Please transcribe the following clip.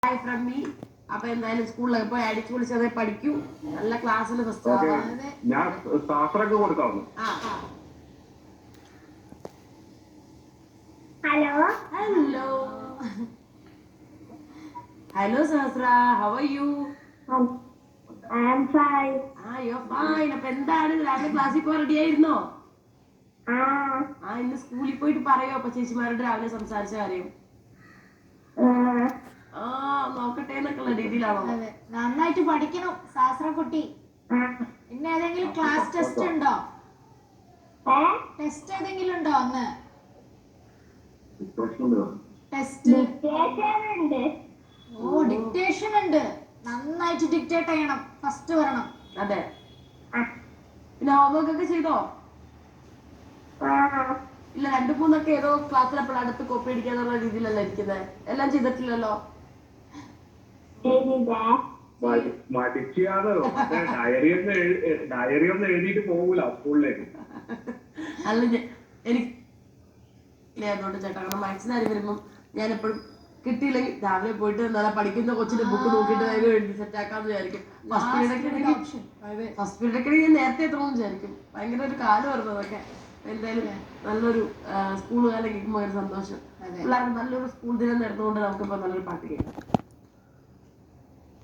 Hi from me. അപ്പൊ എന്തായാലും സ്കൂളിലൊക്കെ പോയി അടിച്ചു പൊളിച്ചതേ പഠിക്കൂ. നല്ല ക്ലാസ്സിൽ ഫസ്റ്റ് ഞാൻ ശാസ്ത്രമൊക്കെ കൊടുക്കാവുന്നു. Hello hello hello Sahasra, how are you? I am fine. You are fine. അപ്പൊ എന്താണ് രാവിലെ ക്ലാസ്സിൽ പോകാൻ റെഡി ആയിരുന്നോ? ഇന്ന് സ്കൂളിൽ പോയിട്ട് പറയോ അപ്പൊ ചേച്ചിമാരോട് രാവിലെ സംസാരിച്ച കാര്യം? നോക്കട്ടെ എന്നൊക്കെയുള്ള രീതിയിലാണോ? നന്നായിട്ട് പഠിക്കണം ശാസ്ത്രക്കുട്ടി. ഇന്ന് ഏതെങ്കിലും ക്ലാസ് ടെസ്റ്റ് ഉണ്ടോ? ടെസ്റ്റ് ഏതെങ്കിലും ഉണ്ടോ അന്ന്? ടെസ്റ്റ് ഡിക്റ്റേഷൻ ഉണ്ട്. നന്നായിട്ട് ഡിക്റ്റേറ്റ് ചെയ്യണം, ഫസ്റ്റ് വരണം. അതെ. പിന്നെ ഹോംവർക്ക് ഒക്കെ ചെയ്തോ? ഇല്ല, 2-3 ഏതോ ക്ലാസ്സിൽ അടുത്ത് കോപ്പി അടിക്കാന്നുള്ള രീതിയിലല്ല ഇരിക്കുന്നത്. എല്ലാം ചെയ്തിട്ടില്ലല്ലോ. മടിക്കാതെ ഡയറി ഒന്നും എഴുതിയിട്ട് പോകൂല സ്കൂളിലേക്ക്. അല്ല, എനിക്ക് അതുകൊണ്ട് ചേട്ടാ, കാരണം മാത്സിന് ആര് വരുമ്പം ഞാൻ എപ്പോഴും കിട്ടിയില്ലെങ്കിൽ രാവിലെ പോയിട്ട് നല്ല പഠിക്കുന്ന കൊച്ചിന്റെ ബുക്ക് നോക്കിയിട്ട് എഴുതി സെറ്റ് ആക്കാന്ന് വിചാരിക്കും. ഫസ്റ്റ് പീരീഡൊക്കെ ഞാൻ നേരത്തെ എത്തണമെന്ന് വിചാരിക്കും. ഭയങ്കര ഒരു കാലം വരുന്നത് അതൊക്കെ. എന്തായാലും നല്ലൊരു സ്കൂൾ കാലം കേൾക്കുമ്പോൾ ഒരു സന്തോഷം. പിള്ളേർക്ക് നല്ലൊരു സ്കൂൾ ദിനം നേർന്നുകൊണ്ട് നമുക്കിപ്പോ നല്ലൊരു പാട്ട് കേൾക്കാം.